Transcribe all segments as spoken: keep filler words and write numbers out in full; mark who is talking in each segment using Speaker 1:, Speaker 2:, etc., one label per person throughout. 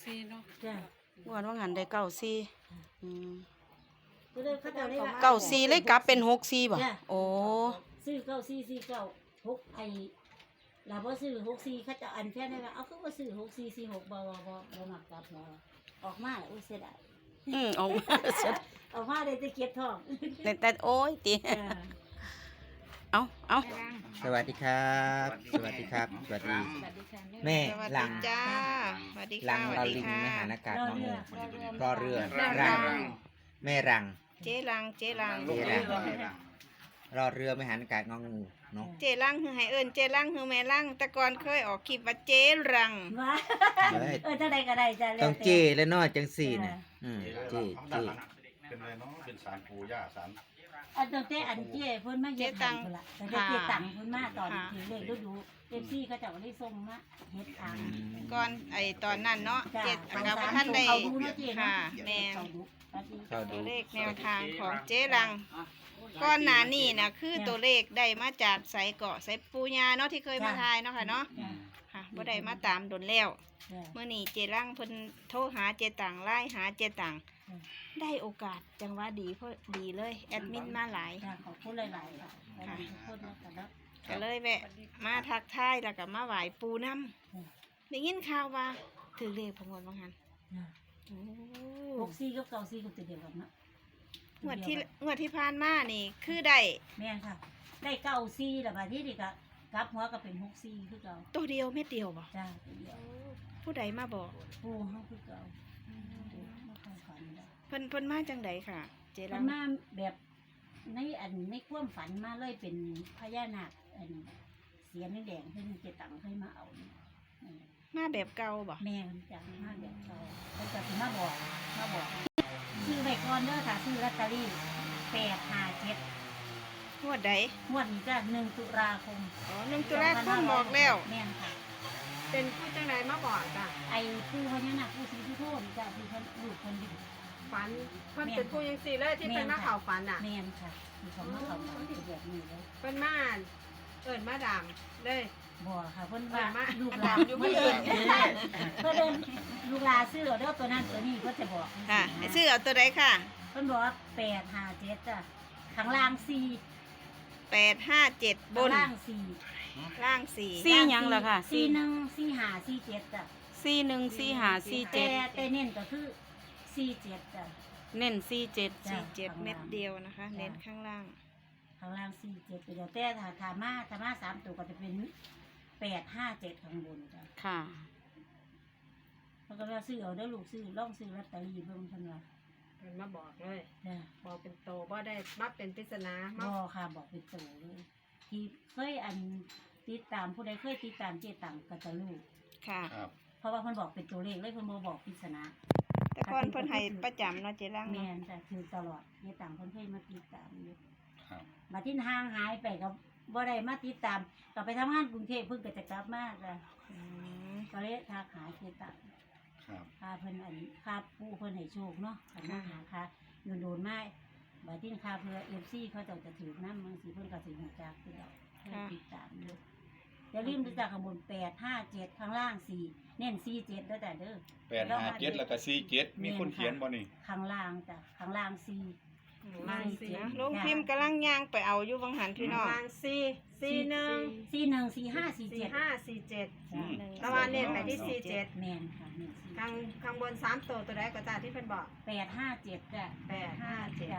Speaker 1: ซีเนาะ
Speaker 2: จ้ะ
Speaker 3: งวดว่างันได้เก้าสี่อืม
Speaker 2: ก็เลยเขาเจ้าเลยว่า
Speaker 3: เก้าสี่เลยกลับเป็นหกสี่บ่
Speaker 2: จ้ะ
Speaker 3: โอ้
Speaker 2: ซื้อเก้าสี่สี่เก้าหกไอ้เราบ่ซื้อหกสี่เขาจะอันแค่นั้นว่าเอาคือบ่ซื้อหกสี่สี่หกบ่บ่บ่บ่มักกลับบ่ออกมาแล้วอุ้ยเสียดาย
Speaker 3: อืมออกมาเสร็จ
Speaker 2: ออกมาได้แต่เก็บทอง
Speaker 3: แต่แต่โอ้ยติ
Speaker 2: จ้ะ
Speaker 3: เอาเอา
Speaker 4: สวัสดีครับ สวัสดีครับ สวัสดี แม่
Speaker 3: สวัส
Speaker 4: หลั
Speaker 3: ดี
Speaker 4: ง
Speaker 3: จ้าสวัสดี
Speaker 4: หลั
Speaker 3: ค่ะ
Speaker 4: ง
Speaker 3: สวัส
Speaker 4: เรา
Speaker 3: ดี
Speaker 4: ลิง
Speaker 3: ค่ะ
Speaker 4: มหานากาศ
Speaker 2: รอ
Speaker 4: น้อง
Speaker 2: เรื
Speaker 4: ห
Speaker 2: อ
Speaker 4: มูรอเรือ
Speaker 3: รั
Speaker 4: รั
Speaker 3: ง
Speaker 4: ง แม่รัง
Speaker 3: เจ๊รังเจ๊รัง
Speaker 4: เจ๊รัง รอเรือมหานากาศงองูเนาะ
Speaker 3: เจ๊รังคือให้เอิ้นเจ๊รังคือแม่รังแต่ก่อนเคยออกคลิปว่าเจ๊รัง
Speaker 2: ว่า
Speaker 4: เฮ้ย
Speaker 2: เออจังได๋ก็ได้จ้ะแล้ว
Speaker 4: ต้อง
Speaker 2: แต่
Speaker 4: เจ้และน้อยจังสี่น่ะอืมเจ้เจ้
Speaker 5: เป็นอะไรเนาะเป็นสารปู่ย่าสาร
Speaker 2: อันตั้งแต่อันเจ้เพิ่นมาเฮ็ดให้พุ่นล่ะแต่เจ้ตังเพิ่นมาตอนที่เลขฤดู เอฟ ซี เขาเจ้าได้ส่งมาเฮ็ดทาง
Speaker 3: ก่อนไอ้ตอนนั้นเนาะ
Speaker 2: จ้ะ
Speaker 3: เจ็ด
Speaker 2: สอง
Speaker 3: กับ
Speaker 2: สาม
Speaker 3: ท่านได้
Speaker 2: เขาดูเนาะเจ๊เนาะ
Speaker 3: ค่ะแม่น
Speaker 2: เขาดูอันนี้
Speaker 4: เข้า
Speaker 3: ตั
Speaker 4: ดู
Speaker 3: วเลขแนวทางของเจ๊รังก้อนหนานี่นะคือตัวเลขได้มาจากไสเกาะไสปูญาเนาะที่เคยมาทายเนาะค่ะเนาะ
Speaker 2: จ้ะ
Speaker 3: ค่ะบ่ได้มาตามดนแล้ว
Speaker 2: จ้ะ
Speaker 3: เมื่อนี้เจ๊รังเพิ่นโทรหาเจ๊ตังไล่หาเจ๊ตัง
Speaker 2: อืม
Speaker 3: ได้โอกาสจังหวะดีเพราะดีเลยแอดมินมาหลาย
Speaker 2: จ้ะขอบคุณหลายๆค่ะขอบคุณทุกคนนะคะเนาะ
Speaker 3: ก็เลยแวะมาทักทายแล้วก็มาไหว้ปูน้
Speaker 2: อืม
Speaker 3: ำได้ยินข่าวว่าถือเลขพงวดบางหัน
Speaker 2: จ้ะ
Speaker 3: โอ้
Speaker 2: หกสี่กับเก้าสี่ก็ตัวเดียวกันเนาะ
Speaker 3: งวดที่งวดที่ผ่านมานี่คือได้
Speaker 2: แม่นค่ะ ได้เก้าสี่แล้วบัดนี้นี่ก็กลับหัวก็เป็นหกสี่คือเก่า
Speaker 3: ตัวเดียวเม็ดเดียวบ่
Speaker 2: จ้ะตัวเดียว
Speaker 3: ผู้ใดมาบอก
Speaker 2: ปูเฮาคือเก่าปูบ่ค่อยฝันดอก
Speaker 3: เพิ่นเพิ่นมาจังใดค่ะ เจรั
Speaker 2: มั
Speaker 3: ง
Speaker 2: นมาแบบในอันในความฝันมาเลยเป็นพญานาคอันเสียนแดงๆเพิ่นเจตังเคยมาเอาเนี่ยนั่นแหละ
Speaker 3: มาแบบเก่าบ่
Speaker 2: แม่มันจังมาแบบเขาเพิ่นก็สิมาบอกมาบอกซื้อไว้ก่อนเด้อค่ะซื้อลอตเตอรี่แปดห้าเจ็ด
Speaker 3: งวดใด
Speaker 2: งวดนี้จ้ะหนึ่งตุลาคม
Speaker 3: อ๋อหนึ่งตุลาคมบอกแล้ว
Speaker 2: แม่นค่ะ
Speaker 1: เป็นผู้จังไดมาบอกจ้ะ
Speaker 2: ไอ้ผู้พญานาคผู้ศรีสุโธนี่จ้ะที่เพิ่นลูกเพิ่นอยู่
Speaker 1: ฝันเพิ่นเป็นผู้ยังสี่เลยที่เป็นมาเข่าฝันอ่ะ
Speaker 2: แม่นค่ะที่เขามาเขามาเป็นแบบนี้เลย
Speaker 1: เพิ่นมาเอิ้นมาดามเลย
Speaker 2: บ่ค่ะเพิ่นว่า
Speaker 1: มา
Speaker 2: ลูกหลาน
Speaker 1: อยู่
Speaker 2: เพิ่น
Speaker 1: เพิ่
Speaker 2: เอิ้
Speaker 1: น
Speaker 2: นเพิ่นเอิ้นลูกหลานซื้อเอาเด้อตัวนั้นตัวนี้เพิ่นจะบอก
Speaker 3: ค่ะให้ซื้อเอาตัวใดค่ะ
Speaker 2: เพิ่นบอกว่าแปดห้าเจ็ดจ้ะข้างล่างสี่
Speaker 3: แปดห้าเจ็ดบ
Speaker 2: ข้าง
Speaker 3: น
Speaker 2: ล่างสี่
Speaker 3: ล่างสี่
Speaker 6: สี่หยังล่ะค่ะ
Speaker 2: สี่หนึ่งสี่ห้าสี่เจ็ดจ้ะ
Speaker 6: สี่หนึ่งสี่ห้าสี่
Speaker 2: แต่
Speaker 6: เจ็ด
Speaker 2: แต่เน้นก็คือสี่เจ็ดจ้ะ
Speaker 6: เน้นสี่เจ็ด
Speaker 2: จ้ะ
Speaker 3: สี่เจ็ดเม็ดเดียวนะคะ เน้นข้างล่าง
Speaker 2: ข้างล่างสี่เจ็ดไปเดียวแต่ถ้าถามาถามาสามตัวก็จะเป็นแปดห้าเจ็ดข้างบนจ้ะ
Speaker 6: ค่ะ
Speaker 2: แล้วก็ว่าซื้อเอาเด้อลูกซื้อล่องซื้อลอตเตอรี่เบิ่งเพิ่นว่า
Speaker 1: เพิ่นมาบอกเลย
Speaker 2: จ้ะ
Speaker 1: บอกเป็นโตบ่ได้มาเป็นปริศนามา
Speaker 2: บ่ค่ะบอกเป็นโตเลยที่เคยอันติดตามผู้ใดเคยติดตามเจตังก็จะรู้
Speaker 3: ค่ะ
Speaker 5: ครับ
Speaker 2: เพราะว่าเพิ่นบอกเป็นตัวเลขเลยเพิ่นบ่บอกปริศนา
Speaker 3: แต่ก่อนเพิ่นให้ประจำเนาะเจรัง
Speaker 2: แม่
Speaker 3: เนาะ
Speaker 2: นจ้ะคือตลอดเจตังเพิ่นเคยมาติดตามอยู่
Speaker 5: ครับ
Speaker 2: มาที่ห่างหายไปก็บ่ได้มาติดตามก็ไปทำงานกรุงเทพเพิ่งก็จะกลับมาจ้ะ
Speaker 3: อืม
Speaker 2: ก็เลยทักหาเจตัง
Speaker 5: ครับ
Speaker 2: ค่าเพิ่นอันค่าปูเพิ่นให้โชคเนาะคันมาหาค่ะโดนๆมาบัดนี้ค่าเพื่อ เอฟ ซี เขาเจ้าจะถือนำบางสิเพิ่นก็สิฮู้จักคือดอกเพิ่นติดตามอยู่อย่าลืมดูจากข้างบนแปด ห้า เจ็ดข้างล่างสี่เน้นสี่ เจ็ดเด้อจ้ะเด้อ
Speaker 5: แปดห้าเจ็ดแล้วก็สี่เจ็ดมีคนเขียนบ่นี่
Speaker 2: ข้างล่างจ้ะข้างล่างสี่
Speaker 1: ลางสี่
Speaker 3: นะลงพิมพ์กำลังย่างไปเอาอยู่บางหันพี่น้อง
Speaker 1: ลางสี่สี่หนึ่ง
Speaker 2: สี่หนึ่งสี่ห้าสี่
Speaker 1: สี่
Speaker 2: เจ็ด
Speaker 1: ห้าสี่เจ็ด
Speaker 2: จ้ะ
Speaker 3: หนึ่ง
Speaker 1: ตะวันเน้นไปที่สี่เจ็ด
Speaker 2: แม่นค่ะหนึ่งสี่
Speaker 1: ข้างข้างบนสามตัวตัวใดก็จ้าที่เพิ่นบอก
Speaker 2: แปดห้าเจ็ดจ้ะ
Speaker 1: แปดห้าเจ็ด
Speaker 2: จ้ะ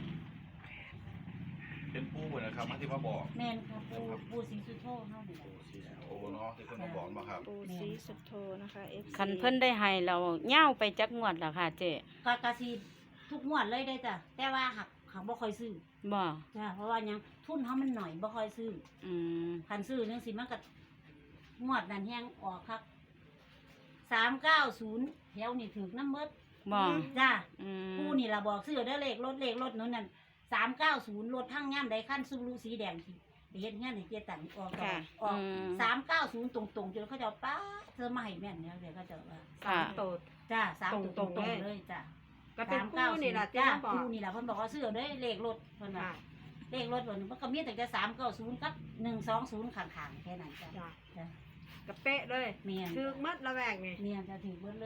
Speaker 5: เป็นปู่เพิ่นนะครับมาที่มาบอก
Speaker 2: แม่นค่ะปูปูสีสุโธเฮานี่แหละ
Speaker 5: ปู่สีโอเนาะที่เพิ่นมาบอกมาครับ
Speaker 3: ปูสีสุดโทนะคะ เอฟซี
Speaker 6: คันเพิ่นได้ให้เราเง่าวไปจักงวดแล้วค่ะเจ๊
Speaker 2: ก็กะสิทุกงวดเลยได้จ้ะแต่ว่าหักหักบ่ค่อยซื้อ
Speaker 6: บ่
Speaker 2: จ้ะเพราะว่าหยังทุนเฮามันหน่อยบ่ค่อยซื้อ
Speaker 6: อืม
Speaker 2: คันซื้อจังซี่มันก็งวดนั้นแฮงออกครับสามเก้าศูนย์แถวนี่ถูกน้ำเบิด
Speaker 6: บ่
Speaker 2: จ้ะ
Speaker 6: อืม
Speaker 2: ผู้นี่ล่ะบอกซื้อเด้อเลขรถเลขรถนู้นนั่นสามเก้าศูนย์รถทั้งย่ำใดขั้นซูรุสีแดงที่ไปเฮ็ดงานให้เกียรตันออกก่อนออกสามเก้าศูนย์ตรงๆจนเขาเจะป้าเธอมาให้แม่นเนี่ยเดี๋ยวเขาเจะว่า
Speaker 1: สามตัว
Speaker 2: จ้าสามตัวต
Speaker 1: ต
Speaker 2: ร
Speaker 1: รงงๆ
Speaker 2: ๆ
Speaker 1: เลย
Speaker 2: เลยจ้า
Speaker 1: ก็เป็นผู้นี่ล่ะที่
Speaker 2: จ้า
Speaker 1: มาบอก
Speaker 2: ผู้นี่ล่ะเพิ่นบอกว่าซื้อเด้อเลขรถเพิ่นว่า
Speaker 1: ค่ะ
Speaker 2: เลขรถเพิ่นมันก็มีตั้งแต่สามเก้าศูนย์กับหนึ่งสองศูนย์ข้างๆแค่นั้นจ้ะ
Speaker 1: จ้ะ
Speaker 2: จ้ะ
Speaker 1: กระเป๊ะเลย
Speaker 2: เมียน
Speaker 1: คือมัดระแวกนี่
Speaker 2: เมียนจะถือเบิดเลย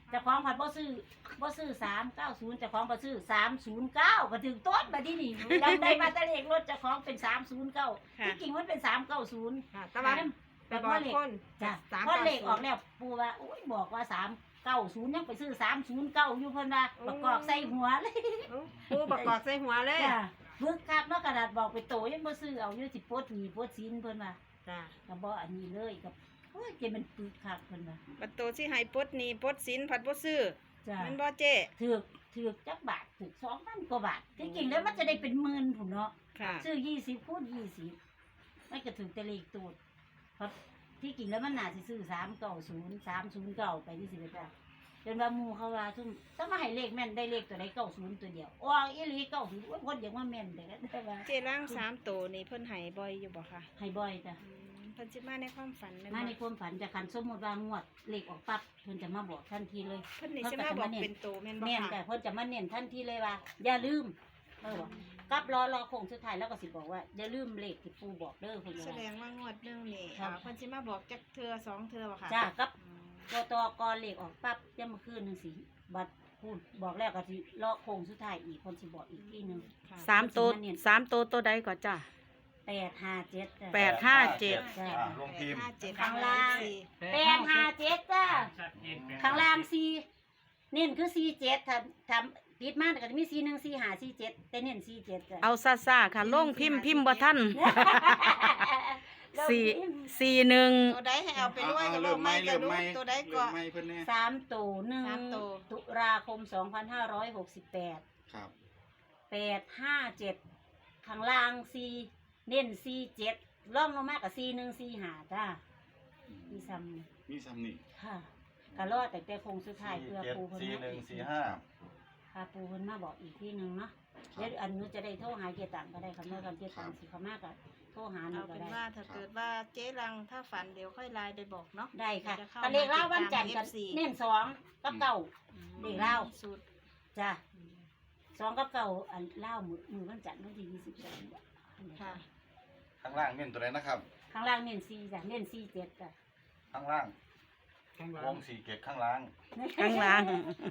Speaker 2: เจ้าของผัดบ่ซื้อบ่ซื้อสามเก้าศูนย์เจ้าของบ่ซื้อสามศูนย์เก้าก็ถึงต้นบัดนี้นี่จำได้มาแต่เลขรถเจ้าของเป็นสามศูนย์เก้า
Speaker 3: ค่ะ
Speaker 2: ที่จริงมันเป็นสามเก้าศูนย์
Speaker 1: ค่ะแต่ว่าไปบอกคน
Speaker 2: จ้ะ
Speaker 1: สาม
Speaker 2: พอเลขออก
Speaker 1: เก้าศูนย์
Speaker 2: แล้วปู่ว่าโอ้ยบอกว่าสามเก้าศูนย์ยังไปซื้อสามศูนย์เก้าอยู่เพิ่นว่าประกอบใส่หัวเลย
Speaker 1: เอ้าปูประกอบใส่หัวเลย
Speaker 2: จ้ะบึกคักเนาะกระดาษบอกไปโตยังบ่ซื้อเอาอยู่สิปลดหนี้ปลดสินเพิ่นว่า
Speaker 1: จ้า
Speaker 2: ก็บ่อันนี้เลยกับโอ้ยเกมันปึกคักเพิ่นว่า
Speaker 3: ประตูที่ให้ปลดหนี้ปลดสินผัดบ่ซื้อ
Speaker 2: จ้ะ
Speaker 3: แมันบ่เจ๊
Speaker 2: ถือกถือกจักบาทถือกสองพันกว่าบาทที่จริงแล้วมันจะได้เป็นหมื่นพุ่นเนาะ
Speaker 3: ค่ะ
Speaker 2: ซื้อยี่สิบคูณยี่สิบมันก็ถือแต่เลขตูดเพราะที่จริงแล้วมันน่าสิซื้อสามเก้าศูนย์สามศูนย์เก้าไปที่สิบเอ็ดาจนว่าหมูเขาว่าซุ่มถ้ามาให้เลขแม่นได้เลขตัวใดเก้าศูนย์ตัวเดียวอ้ออีหลีเก้าศูนย์คนอย่างว่าแม่นแต่ก็ได้ว่า
Speaker 3: เจร่างสามตัวนี่เพิ่นให้บ่อยอยู่บ่คะ
Speaker 2: ให้บ่อยจ้ะ
Speaker 3: อืมเพิ่นสิมาในความฝันแม่น
Speaker 2: มา
Speaker 3: บ่
Speaker 2: ในความฝันจะคันสมมติว่างวดเลขออกปั๊บเพิ่นจะมาบอกทันทีเลย
Speaker 3: เพิ่นนี่สิมาบอกเป็นตัวแม่นบ่
Speaker 2: แม่น
Speaker 3: คะ
Speaker 2: แต่เพิ่นจะมาเน้นทันทีเลยว่า อย่าลืมเออบอกกลับรอรอโค้งสุดท้ายแล้วก็สิบอกว่าอย่าลืมเลขที่ปู่บอกเด้อเพิ่น
Speaker 3: แส
Speaker 2: ว่า
Speaker 3: ดงว่างวดหนึงนี่
Speaker 2: ครับ
Speaker 3: อ่าเพิ่นสิมาบอกจักเทื่อสองเทื่อบ่คะ
Speaker 2: จ้ากับ
Speaker 3: อืม
Speaker 2: ตัวตอกอเลขออกปั๊บย่ามาคืนหนึงสิบัดพูดบอกแล้วก็สิรอโค้งสุดท้ายอีกเพิ่นสิบอกอีกทีหนึง
Speaker 3: ค่ะ
Speaker 6: สามตัวสามตัวตัวใดก่อนจ้ะ
Speaker 2: แปดห้าเจ็ดจ้ะ
Speaker 6: แปดห้าเจ็ด
Speaker 2: จ้ะ
Speaker 5: อ่าลงทีม
Speaker 3: ห้าเจ็ด
Speaker 2: ข้างล่าง
Speaker 3: สี่
Speaker 2: แปดห้าเจ็ดจ้าข้างล่างสี่เน้นคือสี่เจ็ดทำทำติดมาแต่ก็จะมีสี่หนึ่งสี่ห้าสี่เจ็ดแต่เน้นสี่เจ็ดจ้ะ
Speaker 6: เอาซาซาค่ะลงพิมพ์พิมพ์บ่ทันสี่สี่หนึ่ง
Speaker 3: ตัวใดให้เอาไปด้วย
Speaker 5: เอา
Speaker 3: กับ
Speaker 5: เริ่มไหม
Speaker 3: กั
Speaker 5: เริ่
Speaker 3: บ
Speaker 5: ม
Speaker 3: ลู
Speaker 5: ไหม
Speaker 3: กตัวใด
Speaker 5: เริ่
Speaker 3: ก็
Speaker 5: มไหมเพิ่นแน่
Speaker 2: สามตัวหนึ่ง
Speaker 3: สามตัว
Speaker 2: ตุลาคมสองพันห้าร้อยหกสิบแปด
Speaker 5: ครับ
Speaker 2: แปดห้าเจ็ดข้างล่างสี่เน้นสี่เจ็ดล่องลงมากับสี่หนึ่งสี่ห้าจ้ามีซ้ำ
Speaker 5: มีซ้ำนี่
Speaker 2: ค่ะกะรอดแต่แต่คงสุดท้ายเพื่อปูเพิ่น
Speaker 7: สี่
Speaker 2: มา
Speaker 7: หนึ่ง
Speaker 2: อีก
Speaker 7: สี่ห้า
Speaker 2: ค่ะปูเพิ่นมาบอกอีกที่หนึ่งเนาะเดี๋ยวอันนู้นจะได้โทรหาเกียรตังก็ได้คำเมื่อกันเกียรตังสิเขามากก็โทรหาหนู
Speaker 3: เอา
Speaker 2: ก็
Speaker 3: เป็น
Speaker 2: ได้
Speaker 3: ว่าถ้าเกิดว่าเจ๊รังถ้าฝันเดี๋ยวค่อยไลน์ไปบอกเนาะ
Speaker 2: ได้ค่ะ
Speaker 3: เดี๋ยวจเข้า
Speaker 2: ก็เลขเล่าวันจันทร์
Speaker 3: มา
Speaker 2: กัน
Speaker 3: ติดตาม เอฟซี
Speaker 2: เน้นสองกับเก่า เลขเล่า
Speaker 3: สุด
Speaker 2: จ้ะสองกับเก่าอันเล่ามือมือวันจันทร์วันที่ยี่สิบสอง
Speaker 3: ค่ะ
Speaker 7: ข้างล่างเน้นตัวไหนนะครับ
Speaker 2: ข้างล่างเน้นสี่จ้ะเน้นสี่เจ็ดจ้ะ
Speaker 7: ข้างล่างวงสี่เกตข้างล่าง
Speaker 6: ข้างล่าง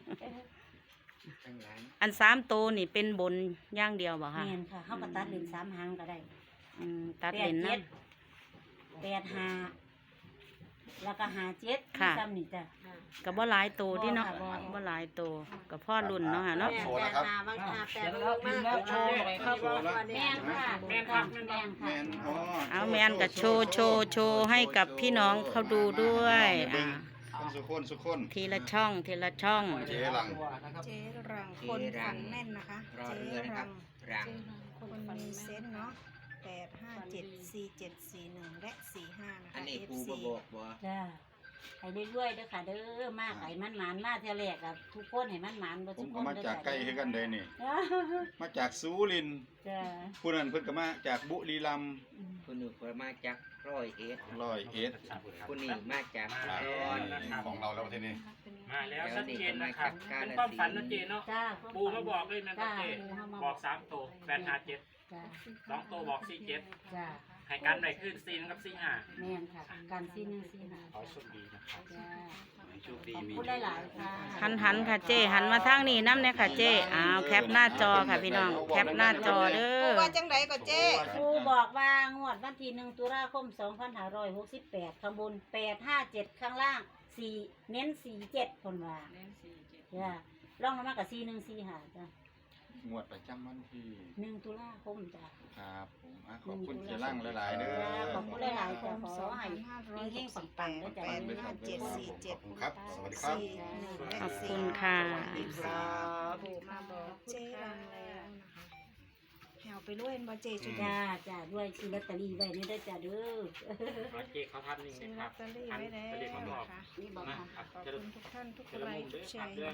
Speaker 6: อันสามตัวนี่เป็นบนอย่างเดียวบ่ค่ะ
Speaker 2: เนียนค่ะเขาก็ตัดเลนสามหางก็ได้
Speaker 6: อืมตัด
Speaker 2: แป
Speaker 6: เล
Speaker 2: ด
Speaker 6: น
Speaker 2: เจ็
Speaker 6: นะ
Speaker 2: ดแปดห้าแล้วก็ห้าเจ็ด
Speaker 6: ค่ะ
Speaker 2: ซ้ำนี่จ้ะ
Speaker 6: ก็บ่หลายตัวที่เนาะ
Speaker 2: บ่ค่ะบ่
Speaker 6: บ่หลายตัวก็พ่อรุ่นเนาะค่ะเนาะ
Speaker 1: แม่แปดหาบางหาแปดลูกมากกับโชว์อะไรครับ
Speaker 2: แม่นค่ะแม่นค่ะแม่นค่ะ
Speaker 5: แม่นอ๋อ
Speaker 6: เอาแมนก็โชว์โชว์โชว์ให้กับพี่น้องเขาดูด้วยอ่า
Speaker 5: คนสุคนสุคน
Speaker 6: ทีละช่องทีละช่อง
Speaker 5: เจ๊หลัง
Speaker 3: เจ๊รังคนฝันแม่นนะคะ
Speaker 8: รอ
Speaker 3: เจ๊
Speaker 8: เรือนะครับ
Speaker 3: รัง
Speaker 8: รัง
Speaker 3: คนมีเซนส์เนาะแปดห้าเจ็ดสี่เจ็ดสี่หนึ่งและสี่ห้านะ
Speaker 8: อัน
Speaker 3: คะ
Speaker 8: นี้
Speaker 3: เอฟ
Speaker 8: ปู
Speaker 3: ซี
Speaker 8: มาบอกบ่
Speaker 2: จ้าให้เรื่อยๆเด้อค่ะเด้อมากไห้มันหมานมาเท่าแรกอะทุกคนให้มันหมานบ่
Speaker 5: ผ
Speaker 2: ทุ
Speaker 5: ม
Speaker 2: กค
Speaker 5: ก็
Speaker 2: น
Speaker 5: มาจากใกล้คือกันเด้นี่
Speaker 2: จ้า
Speaker 5: มาจากสุรินทร์
Speaker 2: จ้า
Speaker 5: ผู้นั้นเพิ่นก็มาจากบุรีรัมย์
Speaker 8: คุณหนูก็มาจากร้อยเอ็ด
Speaker 5: ร้อยเอ็ด
Speaker 8: คุณนี่มาจาก
Speaker 5: ครับ
Speaker 8: ร้อย
Speaker 5: ของเราแล้วทีนี้
Speaker 9: มาแล้ว
Speaker 8: แล้ว
Speaker 9: ชัด
Speaker 8: นี่
Speaker 9: เจ
Speaker 8: ก็
Speaker 9: น
Speaker 8: มา
Speaker 9: นะครั
Speaker 8: จา
Speaker 9: บ
Speaker 8: กกา
Speaker 9: เป็น
Speaker 8: ฬ
Speaker 9: ความ
Speaker 8: สิ
Speaker 9: ฝัน
Speaker 8: น
Speaker 9: นะ
Speaker 8: ธุ์
Speaker 9: เจเนาะ
Speaker 2: จ้า
Speaker 9: ปูมาบอกเลยนะครับเจ
Speaker 2: ปูมา
Speaker 9: บอกสามตัวแปดห้าเจ็ด
Speaker 2: จ้า
Speaker 9: สองตัวบอกสี่เจ็ด
Speaker 2: จ้า
Speaker 9: ให้กันไปขึ้นสี่กับสี่ห้า
Speaker 2: แม่นค่ะการซีหนึ่งซีหา
Speaker 9: ขอโชคดีนะครับ
Speaker 2: จ้า
Speaker 8: โชคดี
Speaker 2: ขอบ
Speaker 8: มี
Speaker 2: คุณหลายๆค่ะ
Speaker 6: หันหันค่ะเจ้หันมาทางนี้น้ำเนี่ยค่ะเจ้อ้าวแคปหน้าจอค่ะพี่น้องแคปหน้าจอเด้
Speaker 3: ปู
Speaker 6: อ
Speaker 3: ว่าจังไดก็เจ๊
Speaker 2: ครูบอกว่างวดวันที่หนึ่งตุลาคมสองพันห้าร้อยหกสิบแปดข้างบนแปดห้าเจ็ดข้างล่างสี่เน้นสี่เจ็ดคนว่าจ้าลองลงมากับสี่หนึ่งสี่หาจ้าง
Speaker 5: วดประจำวันที่
Speaker 2: หนึ่งตุลาคมจ้า
Speaker 5: ครับผมอ่ะขอบคุณเจ๊ลังหลายๆเด้อ
Speaker 2: ขอบคุณหลายๆจ้าขอให้เฮงๆปังๆด้วยจ้า
Speaker 3: แปดห้าเจ็ดสี่เจ็ด
Speaker 5: ขอบคุณครับ สวัสดีครับ
Speaker 3: สี่หนึ่งและ
Speaker 6: ขอบ
Speaker 3: สี่
Speaker 6: คุณค่ะ
Speaker 3: ครับ ปูมาบอกเจ๊รังแล้วนะคะแหวไปด้วยเห็นบ่เจ๊จุด
Speaker 2: จ้าจ้าด้วยซื้อลอตเตอรี่ไว้นี่ได้อจ้าเด้อ
Speaker 9: ขอเจเขาทำนี่
Speaker 3: ซื้อ
Speaker 9: นะค
Speaker 3: ลอ
Speaker 9: รับ
Speaker 3: ตเตอรี่ไว้แล้ว
Speaker 9: อันนี้มาบอก
Speaker 3: นะคะ
Speaker 2: นี่บอก
Speaker 9: นะ
Speaker 2: ค่ะ
Speaker 9: ครับ
Speaker 3: ขอบ
Speaker 9: จะ
Speaker 3: คุณทุกท่านทุก
Speaker 9: จะ
Speaker 3: ไล
Speaker 9: ละมุ
Speaker 3: ค์
Speaker 9: ม
Speaker 3: ทุ
Speaker 9: ด้ว
Speaker 3: ก
Speaker 9: ย
Speaker 3: แช
Speaker 9: ครับ
Speaker 3: ร์
Speaker 9: เรื่อง